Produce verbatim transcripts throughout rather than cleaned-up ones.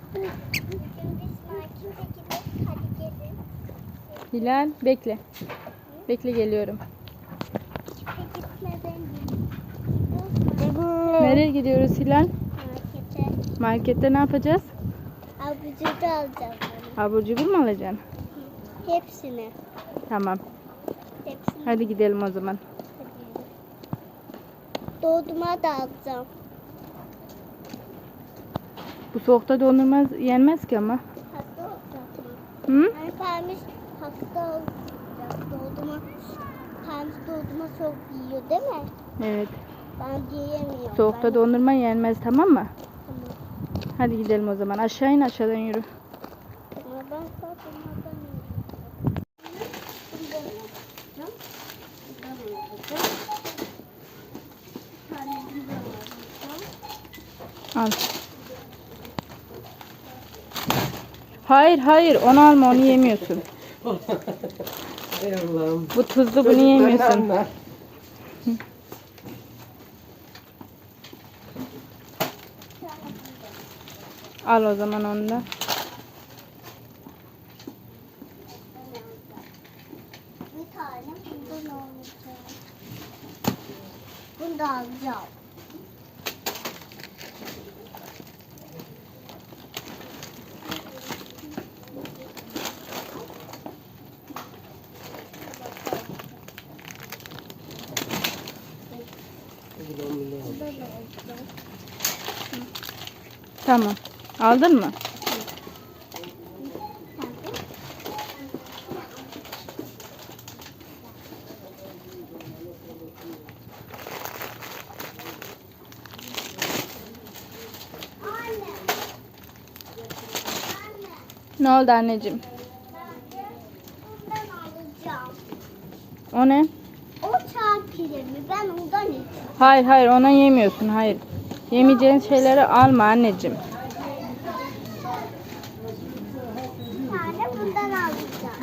Hilal bekle. Bekle geliyorum. Nereye gidiyoruz Hilal? Markete. Markette ne yapacağız? Abur cubur alacağım. Abur cubur mu alacaksın? Hepsini. Tamam. Hepsini. Hadi gidelim o zaman. Dondurma da alacağım. Bu soğukta dondurma yenmez ki ama. Hasta olacak. Hı? Hani Permiş hasta olacak. Dondurma. Permiş dondurma çok yiyor değil mi? Evet. Ben diyemiyorum. Soğukta ben... dondurma yenmez, tamam mı? Tamam. Hadi gidelim o zaman. Aşağı in, aşağıdan yürü. Ama ben dondurmadan Al. Hayır hayır, onu alma, onu yemiyorsun. Ey Allah'ım. Bu tuzlu, bunu yemiyorsun. Al o zaman onu da. bir tane bundan alacağım. Bunu da alacağım. Bunu da alacağım. Tamam. Aldın mı? Ne oldu anneciğim? Bundan alacağım. O ne? O çağ pirimi ben ondan içeceğim. Hayır hayır, ona yemiyorsun, hayır. Yemeyeceğin şeyleri alma anneciğim. Bir tane bundan alacağım.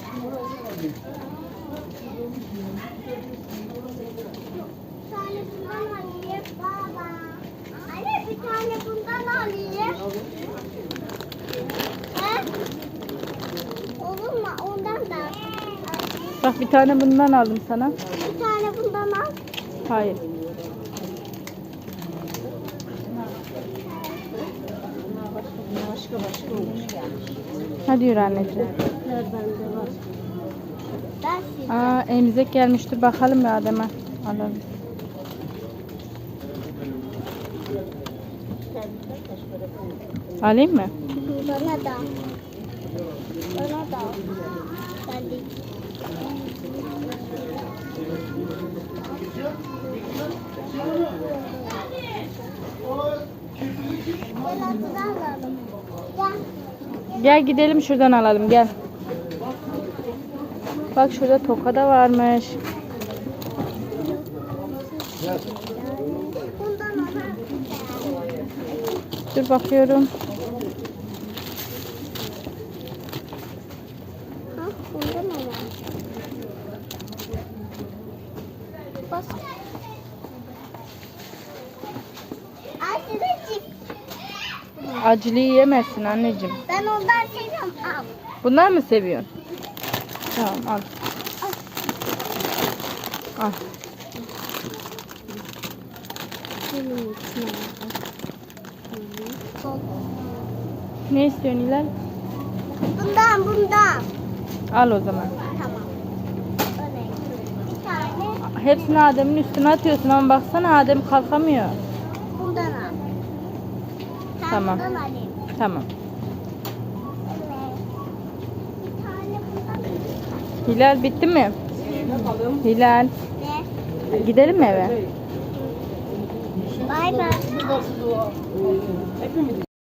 Bir tane bundan alayım. Baba. Anne bir tane bundan alayım. He? Olur mu? Ondan da. Bak, bir tane bundan aldım sana. Bir tane bundan al. Hayır. Başka başka olmuş. Hadi yürü anneciğim. Bende var. Ben size. Aa, emzek gelmiştir, bakalım bir Adem'e. Alalım. Alayım mı? Bana da. Bana da. Ben de. Gel atıda alalım. Gel. Gel gidelim, şuradan alalım, gel. Bak şurada toka da varmış. Bundan ona. Dur bakıyorum. Ha, bundan ona. Bas. Ay size cips. Acılıyı yemezsin anneciğim. Ben ondan seviyorum. Al. Bunlar mı seviyorsun? Tamam, al. Al. Ne istiyorsun Hilal? Bundan bundan. Al o zaman. Tamam. Öyle. Bir tane Hepsini Adem'in üstüne atıyorsun ama baksana, Adem kalkamıyor. bundan al. Sen Tamam. bundan alayım. Tamam. Evet. Bir tane bundan. Hilal bitti mi? Hilal. Ne? Gidelim mi eve? Bay bay. Hepimiz